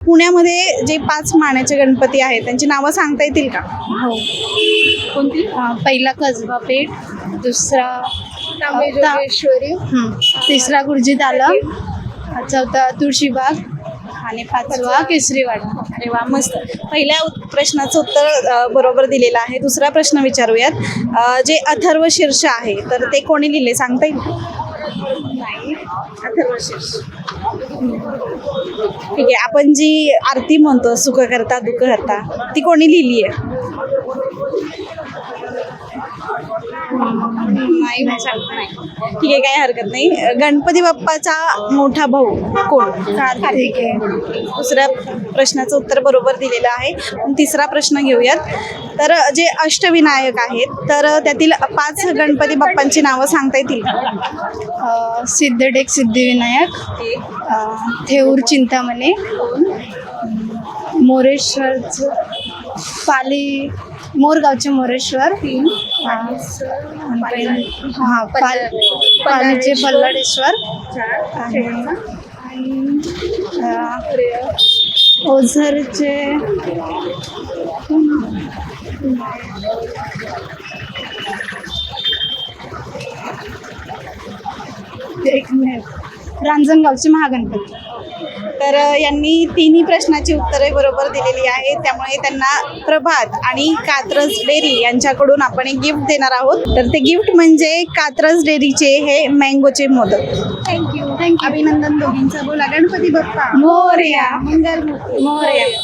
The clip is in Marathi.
पुण्यामध्ये जे 5 मानाचे गणपती आहेत त्यांची नावं सांगता येतील का? हो. कोणती? पहिला कसबा पेठ, दुसरा तांबेजोगेश्वरी, तिसरा गुरुजी तालम, चौथा तुळशीबाग आणि पाचवा केसरीवाडा. अरे वा, मस्त. पहिल्या प्रश्नाचं उत्तर बरोबर दिलेलं आहे. दुसरा प्रश्न विचारूयात. जे अथर्व शीर्ष आहे तर ते कोणी लिहिले सांगता येईल? नाही, अथर्व शीर्ष. ठीक आहे. आपण जी आरती म्हणतो सुख करता दुःख करता ती कोणी लिहिली आहे? नाही सांगता नाही. ठीक आहे, काही हरकत नाही. गणपती बाप्पाचा मोठा भाऊ कोण? कार्तिक आहे. दुसऱ्या प्रश्नाचं उत्तर बरोबर दिलेलं आहे. पण तिसरा प्रश्न घेऊयात. तर जे अष्टविनायक आहेत तर त्यातील 5 गणपती बाप्पांची नावं सांगता येतील का? सिद्धटेक सिद्धिविनायक, थेऊर चिंतामणी, मोरेश्वरचं पाली मोरगावचे मोरेश्वर, पालीचे पल्लाडेश्वर आणि ओझरचे एक मिनिट, रांजणगावचे महागणपती. तर यांनी तिन्ही प्रश्नाची उत्तरे बरोबर दिलेली आहेत. त्यामुळे त्यांना प्रभात आणि कात्रज डेअरी यांच्याकडून आपण एक गिफ्ट देणार आहोत. तर ते गिफ्ट म्हणजे कात्रज डेअरीचे हे मँगोचे मोदक. थँक्यू. अभिनंदन दोघींचं. बोला गणपती बाप्पा मोरया. मंगलमूर्ती मोरया.